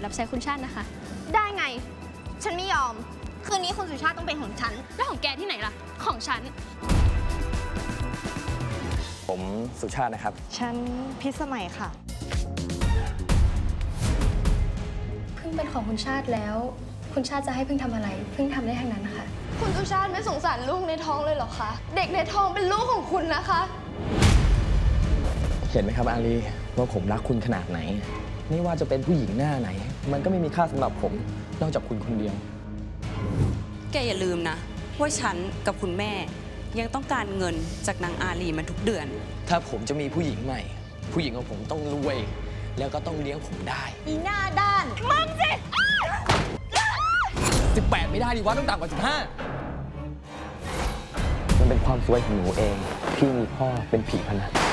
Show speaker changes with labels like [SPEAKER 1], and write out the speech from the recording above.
[SPEAKER 1] รับใช้คุณชาตินะคะ
[SPEAKER 2] ได้ไง ฉันไม่ยอม คืนนี้คุณสุชาติต้องเป็นของฉัน
[SPEAKER 1] แล้วของแกที่ไหนล่ะ ของฉัน
[SPEAKER 3] ผมสุชาตินะครับ
[SPEAKER 4] ฉันพิสมัยค่ะ
[SPEAKER 1] พึ่งเป็นของคุณชาติแล้ว คุณชาติจะให้พึ่งทำอะไร พึ่งทำได้ทั้งนั้นนะคะ
[SPEAKER 2] คุณสุชาติไม่สงสารลูกในท้องเลยเหรอคะ เด็กในท้องเป็นลูกของคุณนะคะ
[SPEAKER 3] เห็นไหมครับอาลีว่าผมรักคุณขนาดไหน ไม่ว่าจะเป็นผู้หญิงหน้าไหน มันก็ไม่มีค่าสำหรับผม นอกจากคุณคนเดียว
[SPEAKER 5] แกอย่าลืมนะว่าฉันกับคุณแม่ยังต้องการเงินจากนางอาลีมันทุกเดือน
[SPEAKER 3] ถ้าผมจะมีผู้หญิงใหม่ ผู้หญิงของผมต้องรวย แล้วก็ต้องเลี้ยงผมได้
[SPEAKER 2] อีหน้าด้าน
[SPEAKER 3] 18 ไม่ได้ดิวะต้องต่ำกว่า 15 มันเป็นความสวยของหนูเองที่มีพ่อเป็นผีพนัน